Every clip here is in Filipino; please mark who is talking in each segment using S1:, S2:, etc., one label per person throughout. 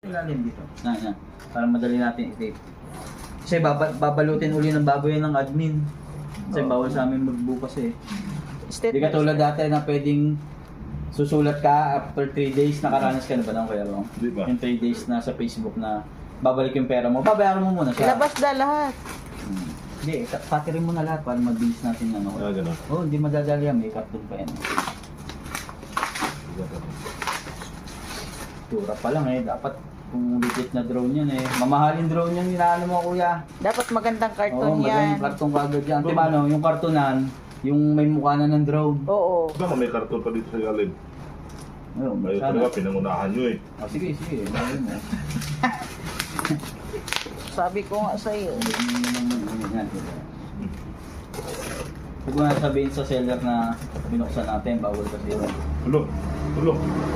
S1: Ilalim dito. Na. Para madali natin i-tape. Kasi babalutin uli ng baboy ng admin. Kasi bawal sa amin magbukas eh. Hindi ka tulad dati na pwedeng susulat ka after 3 days. Nakaranas ka na ba ng kaya bang?
S2: Di ba?
S1: Yung 3 days na sa Facebook na babalik yung pera mo. Babayaran mo muna siya.
S3: Ilabas na lahat.
S1: Hindi, patirin mo na lahat para mabilis natin ano.
S2: Gano'n.
S1: Oh, hindi madadali yan. May doon pa yan. Tura pa lang eh. Dapat kung legit na drone yan eh. Mamahalin drone yan, inaano mo kuya.
S3: Dapat magandang
S1: Oo,
S3: karton yan.
S1: magandang karton kagad yan. Timano, yung kartonan, yung may mukha na ng drone.
S3: Oo.
S2: Baka may karton pa dito sa ilalim.
S1: Ayun,
S2: Ayaw
S1: sana.
S2: talaga, pinangunahan nyo eh.
S1: Oh, sige. Ayun mo.
S3: Sabi ko nga sa'yo.
S1: Huwag mo na sabihin sa seller na binuksan natin, bawal kasi yun.
S2: Tulo.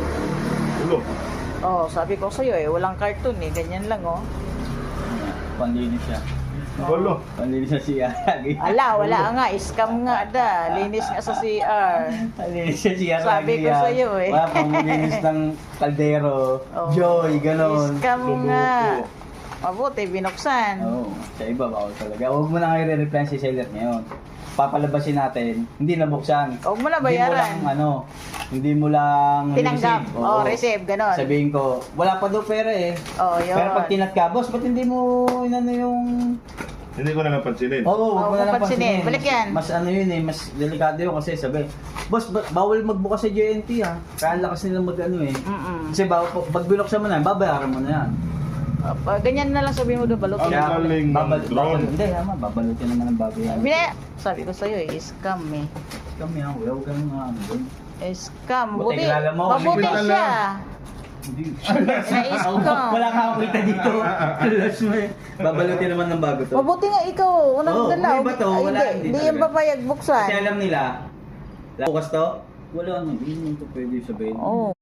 S3: Oh, sabi ko sa'yo eh, walang karton eh. Ganyan lang oh.
S1: Panlinis siya.
S2: Tulo.
S1: Panlinis siya siya.
S3: Wala nga. Scam nga da. Linis nga sa CR.
S1: Panlinis siya siya.
S3: Sabi ko sa'yo eh.
S1: Wala pang linis ng kaldero,
S3: Oh.
S1: joy, ganon.
S3: Scam nga. Mabuti, binuksan.
S1: Oo, sa iba bawal talaga. Huwag mo na kayo re-reply si seller ngayon. Papalabasin natin, hindi nabuksan.
S3: Huwag mo na bayaran.
S1: Hindi mo lang
S3: Tinanggap.
S1: receive.
S3: Oo, receive, ganon.
S1: Sabihin ko, wala pa daw pera eh.
S3: Oo, yun.
S1: Pero pag tinat ka, boss, ba't hindi mo inano yung...
S2: Hindi ko na napansinin.
S1: Oo, huwag mo na lang
S3: pansinin.
S1: pansinin.
S3: Balik yan.
S1: Mas ano yun eh, mas delikado yun kasi sabi, boss, bawal magbukas sa JNT ha. Kaya ang lakas nila mag-ano eh. Kasi pag binuksan mo na yan, babayaran mo na yan.
S3: Ganyan na lang sabihin mo doon, balutin.
S2: Ang galing ng drone.
S1: Hindi, babalutin naman ng baboy yan.
S3: Sabi ko sa'yo eh, scam eh.
S1: Kami yan, huwag kang mga ano doon.
S3: Scam.
S1: Buti
S3: Buti,
S1: kilala mo,
S3: mabuti
S2: kilala.
S3: siya.
S1: Hindi.
S3: Na-scam.
S1: Wala kang kita dito. Alas mo eh. Babalutin naman ng bago to.
S3: Mabuti nga ikaw, unang
S1: Oo,
S3: dala.
S1: may bato, wala, hindi
S3: Hindi
S1: talaga.
S3: yung papayag buksan.
S1: Kasi alam nila, bukas to, wala na, hindi mo ito pwede sabihin.
S3: Oo.